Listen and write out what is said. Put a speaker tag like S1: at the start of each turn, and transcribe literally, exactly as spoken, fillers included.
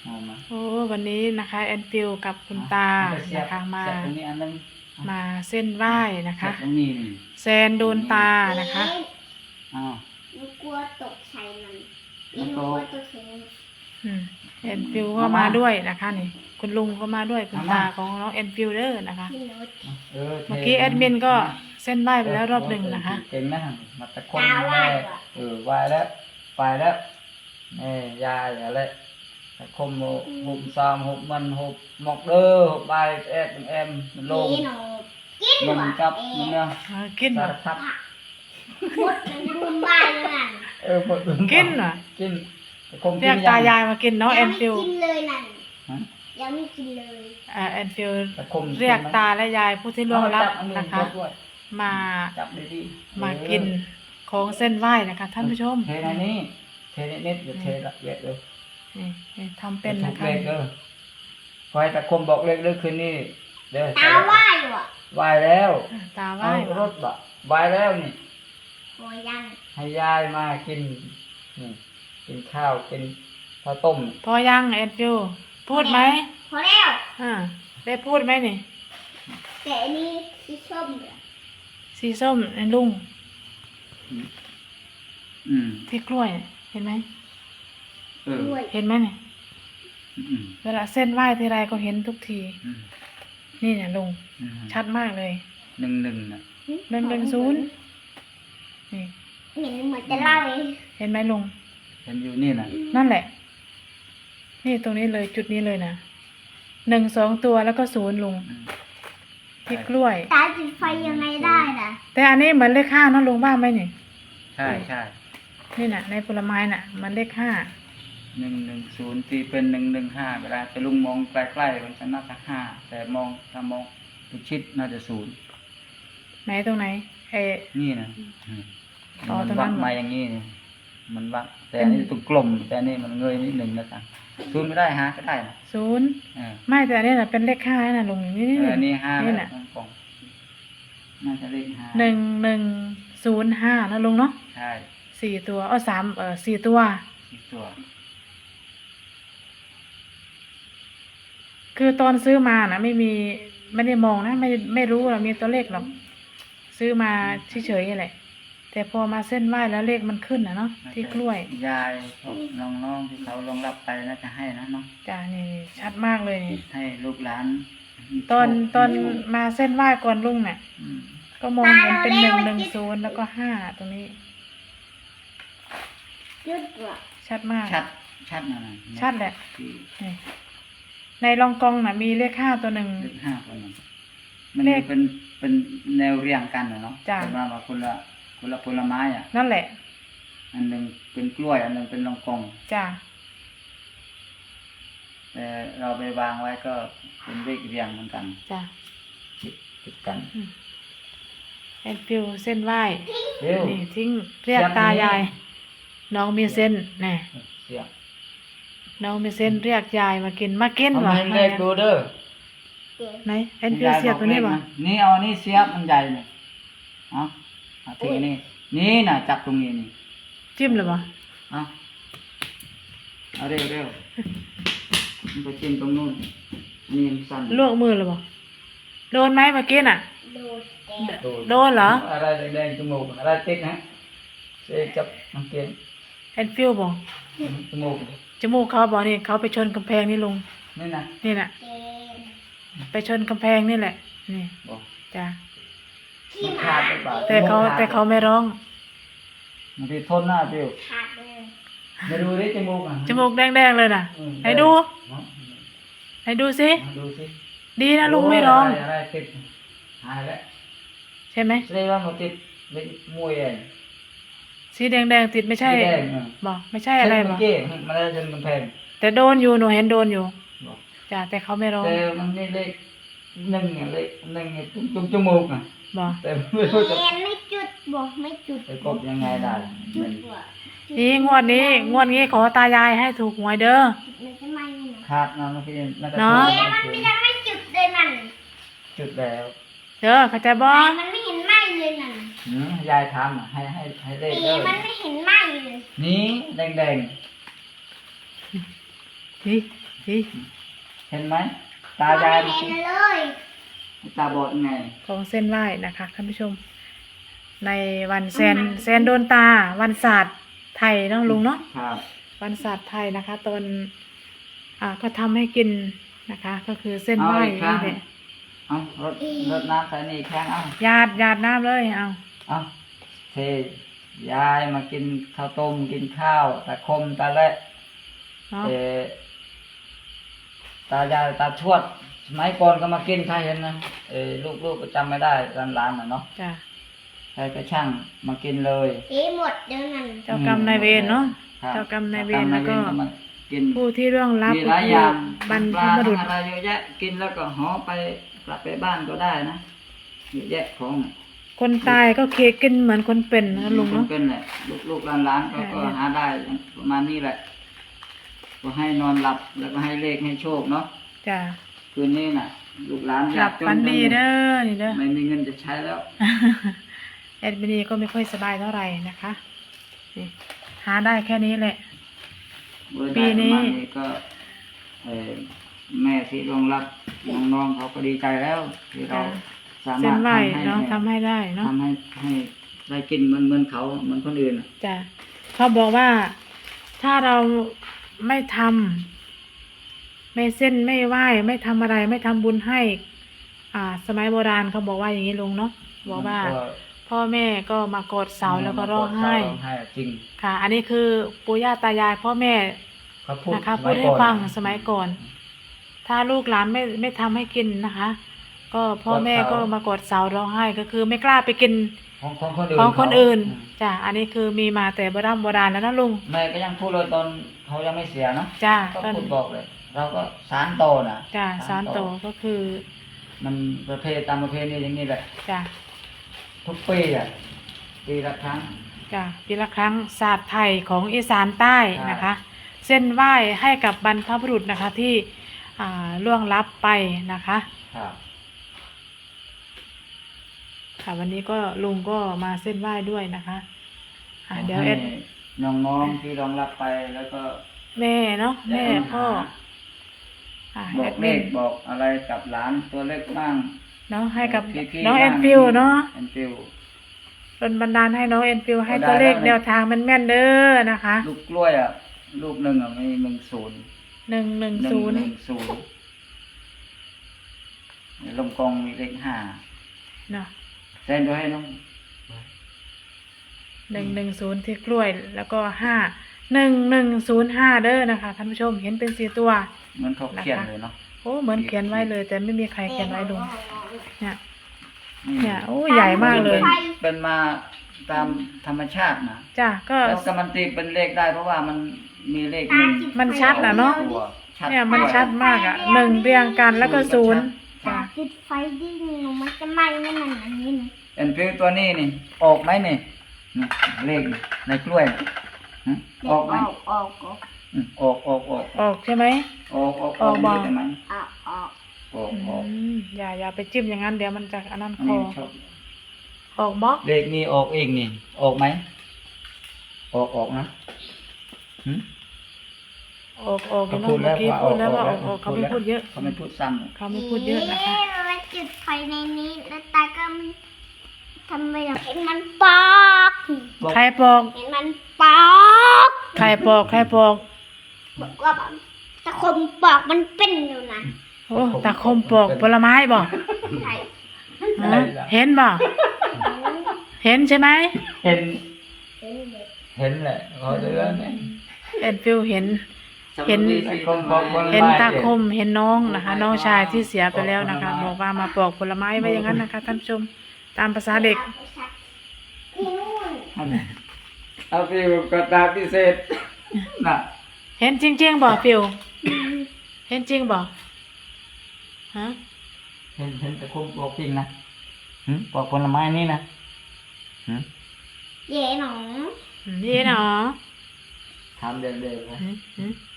S1: โอ้วันนี้นะคะแอนฟิลกับคุณตานะคะมามาเส้นไหว้นะคะแซนโดนตานะคะ
S2: หนูกลัวตกใส่มันหนูกลัวตกใส่มัน
S1: อืมแอนฟิลก็มาด้วยนะคะนี่คุณลุงก็มาด้วยคุณตาของน้องแอนฟิลเดอร์นะคะเมื่อกี้แอดมินก็เส้นไหว้ไปแล้วรอบหนึ่งนะคะ
S3: เก่งนะมาตะคนแม่เออไหว้แล้วไปแล้วแม่ยายอะไรตะคมหุบซามหุบมันหุบหมกเด้อหุบใบแอดเอ็มมันลงมันกับมันเนี่ย
S1: กินเหรอ
S3: ครับ
S2: พูดถึงรุมบ้านเลย
S3: เออพูดถึง
S1: กินเหรอ
S3: กิน
S1: เรียกตายายมากินเนาะแอนฟิล
S2: กินเลยนั่นยังไม่กินเลย
S1: อ่าแอนฟิลเรียกตาและยายผู้ที่ล่วงลับนะคะมามากินของเส้นไหว้นะคะท่านผู้ชม
S3: เทในนี้เทในนิดอย่าเทละเอียดเลย
S1: นี่ทำเป็นนะคะ
S3: คอยตะคมบอกเล็กเล็กคืนนี้เด้อ
S2: ตาไหว้หรอ
S3: ไหว้แล้ว
S1: ตาไหว้
S3: รถบะไหว้แล้วนี่
S2: โอ้ยัง
S3: ให้ยายมากินนี่กินข้าวกินข้าวต้ม
S1: พอยังแอนฟิลพูดไหม
S2: พอแล้ว
S1: อ่าได้พูดไหมนี่
S2: แต่อันนี้สีส้มเหรอ
S1: สีส้มไอ้ลุง
S3: อืม
S1: ที่กล้วยเห็นไหม
S3: เออ
S1: เห็นไหมเนี่ยเวลาเส้นไหว้ทีไรก็เห็นทุกทีนี่เนี่ยลุงชัดมากเลย
S3: หนึ่งหนึ่งนะ
S1: หนึ่งหนึ่งศูนย์นี่
S2: เห็นเหมือนจะเล่าเอง
S1: เห็นไหมลุง
S3: เห็นอยู่นี่นะ
S1: นั่นแหละนี่ตรงนี้เลยจุดนี้เลยนะหนึ่งสองตัวแล้วก็ศูนย์ลุงที่กล้วย
S2: ตาจุดไฟยังไงได้ล่ะ
S1: แต่อันนี้เหมือนเลขห้านะลุงบ้างไหมนี่
S3: ใช่ใช่
S1: นี่น่ะในผลไม้น่ะมันเลขห้า
S3: หนึ่งหนึ่งศูนย์ตีเป็นหนึ่งหนึ่งห้าเวลาแต่ลุงมองใกล้ๆมันจะน่าจะห้าแต่มองถ้ามองชิดน่าจะศูนย์
S1: ไหนตรงไหนไอ้
S3: นี่นะมันวัดมาอย่างนี้นี่มันวัดแต่อันนี้ตรงกลมแต่นี่มันเงยนิดหนึ่งนะจ๊ะศูนย์ไม่ได้ฮะก็ได้นะ
S1: ศูนย์ไม่แต่อันนี้น่ะเป็นเลขห้าน่ะลุงนี่นี่
S3: อันนี้ห้านี่น่ะน่าจะเลขห้า
S1: หนึ่งหนึ่งศูนย์ห้านะลุงเนาะ
S3: ใช่
S1: สี่ตัวอ๋อสามเออสี่ตัว
S3: สี่ตัว
S1: คือตอนซื้อมานะไม่มีไม่ได้มองนะไม่ไม่รู้ว่ามีตัวเลขหรอกซื้อมาเฉยๆแหละแต่พอมาเส้นไหว้แล้วเลขมันขึ้นนะเนาะที่กล้วย
S3: ยายน้องๆที่เขาลงรับไปน่าจะให้นะเนาะ
S1: จ้านี่ชัดมากเลย
S3: ให้ลูกหลาน
S1: ตอนตอนมาเส้นไหว้ก่อนลุงเนี่ยก็มองเห็นเป็นหนึ่งหนึ่งศูนย์แล้วก็ห้าตรงนี้ชัดมาก
S3: ชัดชัดนะ
S1: ชัดแหละในรองกองน่ะมีเลขห้าตัวหนึ่ง
S3: เลขห้าตัวหนึ่งมันเป็นเป็นแนวเรียงกันเนาะเป็นว่าคนละคนละผลไม้อ่ะ
S1: นั่นแหละ
S3: อันหนึ่งเป็นกล้วยอันหนึ่งเป็นรองกอง
S1: จ้า
S3: แต่เราไปวางไว้ก็เป็นเลขเรียงเหมือนกัน
S1: จ้า
S3: ติดกัน
S1: แอนฟิลเส้นไหว้นี่ทิ้งเรียกตายายน้องมีเส้นแน่น้องมีเส้นเรียกยายมากินมากิน
S3: หรอเลขดูเด้อ
S1: ไหนแอนฟิลเสียบตัวนี้บ่
S3: นี่เอานี่เสียบมันใหญ่เนี่ยเอาทีนี้นี่น่ะจับตรงนี้นี่
S1: จิ้มเลยบ่
S3: เอาเอาเร็วเร็วมันไปจิ้มตรงนู้นนี่สั่น
S1: ลวกมือเลยบ่โดนไหมเมื่อกี้น่ะโดนเหรอ
S3: อะไรแดงๆจมูกอะไรติดนะเจ๊จับมันเกลียน
S1: แอนฟิลบ่
S3: จมูก
S1: จมูกเขาบอกนี่เขาไปชนกำแพงนี่ลุง
S3: นี่นะ
S1: นี่น่ะไปชนกำแพงนี่แหละนี่จ้าแต่เขาแต่เขาไม่ร้อง
S3: มันที่ทนหน้าฟิวมาดูดิจมูกอ่ะ
S1: จมูกแดงๆเลยน่ะให้ดูให้ดูสิดีนะลุงไม่ร้อง
S3: อะไรติดหายแล้ว
S1: ใช่ไหม
S3: แสดงว่ามันติดเป็นมวยเอง
S1: สีแดงๆติดไม่ใช่บอกไม่ใช่อะไรบอก
S3: มันได้จนกำแพง
S1: แต่โดนอยู่หนูเห็นโดนอยู่จ้าแต่เขาไม่ร้อง
S3: แต่มันนี่เลขหนึ่งเลขหนึ่งจุกจมูกอ่ะ
S1: บอก
S3: แต่ไม่รู้จะ
S2: ไม่จุดบอกไม่จุด
S3: จะกบยังไงได้
S1: นี่งวดนี้งวดนี้ขอตายายให้ถูกหวยเด้อ
S3: ขาดนะเมื่อกี้
S1: เนาะ
S2: มันไม่ได้ไม่จุดเลยนั่น
S3: จุดแล้ว
S1: เด้อเข้าใจบ่
S2: มันไม่เห็นไหม้เลยนั่น
S3: ยายทำอ่ะให้ให้ให้เลขเลย
S2: มันไม่เห็นไหม้เลย
S3: นี่แดงแดง
S1: นี่สิ
S3: เห็นไหมตายาย
S2: ไม่เห็นเลย
S3: ตาบอดไง
S1: ของเส้นไหว้นะคะท่านผู้ชม ในวันแซนแซนโดนตา วันศาสตร์ไทยเนาะลุงเนาะ
S3: ครับ
S1: วันศาสตร์ไทยนะคะตอนอ่าก็ทำให้กินนะคะ ก็คือเส้นไหว้
S3: เอาอีกครั้
S1: นี่
S3: ง
S1: แหละ
S3: เอารดรดน้ำใส่นี่อีกครั้งเอา
S1: หยาดหยาดน้ำเลยเอา
S3: เอาเทยายมากินข้าวต้มกินข้าวตาคมตาเละ
S1: เนาะ
S3: เออตายายตาทวดสมัยก่อนก็มากินใครเห็นนะเออลูกๆก็จำไม่ได้หลานๆน่ะเนาะ
S1: จ้ะ
S3: ใครก็ช่างมากินเลย
S2: เอ๊ะหมดเดี๋ยวนั้น
S1: เจ้ากรรมนายเวรเนาะ
S3: ครับ
S1: เจ้ากรรมนายเวร
S3: จ้
S1: แล้วก็
S3: มากิน
S1: ผู้ที่ร่วงลับ
S3: มี
S1: ก็
S3: หลาย
S1: คือ
S3: อย่าง
S1: บรรพ
S3: ปลา
S1: บุรุษ
S3: อะไรเยอะแยะกินแล้วก็ห่อไปกลับไปบ้านก็ได้นะเยอะแยะของ
S1: คนตายก็เคกินเหมือนคนเป็นนะลุง
S3: ค
S1: เนาะ
S3: นเป็นแหละลูกๆหลานๆก็
S1: ใช่
S3: ก็หาได้ประมาณนี้แหละ ก็ให้นอนหลับแล้วก็ให้เลขให้โชคเนาะ
S1: จ้ะ
S3: คืนนี้น่ะ ลูกหลาน
S1: หลับฝันดีเด้อนี่เด้อ
S3: ไม่มีเงินจะใช้แล้ว
S1: แอดมินีก็ไม่ค่อยสบายเท่าไหร่นะคะนี่หาได้แค่นี้แหละ
S3: เมื่อ
S1: ปี
S3: ได้
S1: นี้
S3: ประมาณนี้ก็เอ่อแม่ที่รองรับน้องๆเขาก็ดีใจแล้ว ที่เราสา
S1: เส้
S3: มาร
S1: น
S3: ถ
S1: ไหว
S3: ทำให้
S1: เนาะทำให้ได้เนาะ
S3: ทำให้ให้ได้กินเหมือนเหมือนเขาเหมือนคนอื่นน่ะ
S1: จ้ะเขาบอกว่าถ้าเราไม่ทำไม่เส้นไม่ไหว้ไม่ทำอะไรไม่ทำบุญให้ อ่า สมัยโบราณเขาบอกว่าอย่างนี้ลุงเนาะบอกว่า
S3: มันก็
S1: พ่อแม่ก็มากอดเสาแล้วก็ร้องไห้
S3: ร้องไห้จริง
S1: ค่ะ อันนี้คือปู่ย่าตายายพ่อแม่
S3: เขาพูด
S1: นะคะ
S3: ส
S1: พู
S3: มั
S1: ด
S3: ย
S1: ให้
S3: ก่อน
S1: ฟังสมัยก่อน ถ้าลูกหลานไม่ไม่ทำให้กินนะคะ ก็พ่อแม่ก็มากอดเสาร้องไห้ก็คือไม่กล้าไปกิน
S3: ของของคนอื่น
S1: ของคนอื่น
S3: เขา
S1: จ้ะอันนี้คือมีมาแต่โบราณโบราณแล้วนะลุง
S3: แม่ก็ยังพูดเลยตอนเขายังไม่เสียเนาะ
S1: จ้ะ
S3: ก็
S1: ต้น
S3: พูดบอกเลย เราก็สารโตนะ
S1: จ้ะสารโตก็คือ
S3: มันประเพณีตามประเพณีอย่างนี้แหละ
S1: จ้ะ
S3: ทุกปีอ่ะปีละครั้ง
S1: จ้ะปีละครั้งศาสตร์ไทยของอีสานใต้
S3: ใช่
S1: นะคะ เส้นไหว้ให้กับบรรพบุรุษนะคะที่อ่าล่วงลับไปนะคะ
S3: ครับ
S1: ค่ะวันนี้ก็ลุงก็มาเส้นไหว้ด้วยนะคะอ่าเดี๋ยว
S3: ให้
S1: เอ็ด
S3: น้องๆที่รองรับไปแล้วก็
S1: แม่เนาะแม่
S3: ได้
S1: พ่อ
S3: หา
S1: อ่า
S3: บอ
S1: แอก ด
S3: เล
S1: มิน
S3: ขบอกอะไรกับหลานตัวเล็กบ้าง
S1: เนาะให้กับ
S3: พี่ๆ
S1: น้อง
S3: บ้า
S1: แอนฟิวเนาะ
S3: แอนฟิว
S1: เป็นบันดาลให้น้องแอนฟิวให้
S3: ได้
S1: ตัวเลข
S3: ได้
S1: แนวทางมันแม่นๆเด้อนะคะ
S3: ลูกกล้วยอ่ะ ลูกหนึ่งอ่ะมีหนึ่งศูนย์
S1: หนึ่งหนึ่ง
S3: หนึ่ง
S1: ศูนย์
S3: หนึ่งศูนย์ลงกองมีเลขห้า
S1: เนาะ
S3: เซ็นด้วยให้น้อง
S1: หนึ่งหนึ่งศูนย์ที่กล้วยแล้วก็ห้าหนึ่งหนึ่งศูนย์ห้าเด้อนะคะท่านผู้ชมเห็นเป็นสี่ตัว
S3: เหมือนเขาเขียนเลยเนาะ
S1: โอ้เหมือนเขียนไว้เลย แต่ไม่มีใครเขียนไว้ลุงเนี่ย
S3: นี่
S1: เนี่ยโอ้ใหญ่มากเลย
S3: เป็นเป็นมาตามธรรมชาตินะ
S1: จ้ะก็
S3: แล้วก็มันตีเป็นเลขได้เพราะว่ามันมีเลขหนึ่ง
S1: มันชัดนะเนาะ
S3: ตัวชัด
S1: เนี่ยมันชัดมากอ่ะหนึ่งเรียงกันแล้วก็ศูนย์
S2: ตา
S1: จ้ะ
S2: จุดไฟดิ้งหนูมันจะไหม้ไม่มันอันนี้นะ
S3: เอ็นฟิวตัวนี้นี่ ออกไหมนี่นี่เลขนี่ในกล้วยนี่หึออกไหม
S2: ออกออกออก
S3: อืมออกออกออก
S1: ออกใช่ไหม
S3: ออกออก
S1: ออกบ่
S3: ได้ไหม
S2: ออกออก
S3: ออก
S1: อื
S3: ออก
S1: มอย่าอย่าไปจิ้มอย่างนั้นเดี๋ยวมันจะอันนั้น
S3: อัน
S1: คอ
S3: นี้ชอบ
S1: ออกบล็อก
S3: เลขนี้ออกเองนี่ ออกไหมออกออกนะหึ
S1: ออกออก
S3: เขา
S1: เนาะ
S3: พูดแล้
S1: เมื่อกี้
S3: วว่า
S1: พูดแล้ว
S3: ออก
S1: ว่าออกออกเขาไม่พูดเยอะ
S3: เขาไม่พูดซ้ำ
S1: เขาไม่พูดเยอะนะคะ
S2: เอ๊มันจุดไฟในนี้แล้วตาก็มันทำไมล่ะเห็นมันปอก
S1: ใครปอก
S2: เห็นมันปอก
S1: ใครปอกใครปอก
S2: บอกว่าแบบตะคมปอกมันเป็นอยู่นะ
S1: โอ้ตาคมปอกผลไม้บอก
S2: ใช่
S1: ฮะเห็นบอกเห็นใช่ไหม
S3: เห็น
S2: เห็นเลย
S3: เห็นแหละเขาเดือเนี่ย
S1: แอนฟิลเห็น เห็น
S3: คมบอกผลไม้
S1: เห็นตาคมเห็นน้องนะคะ น้องชายที่เสียไปแล้วนะคะ บอกว่ามาปอกผลไม้ไว้อย่างนั้นนะคะท่านผู้ชมตามภาษาเด็ก
S2: ที่นู่น
S3: เอาฟิวกระตาพิเศษน่ะ
S1: เห็นจริงๆบอกฟิลเห็นจริงบอกฮะ
S3: เห็นเห็นแต่คมบอกจริงนะหึบอกผลไม้นี่นะหึ
S2: เย่หนอ
S1: นี่เนาะ
S3: ทำเดิมๆนะ
S1: หืมหืม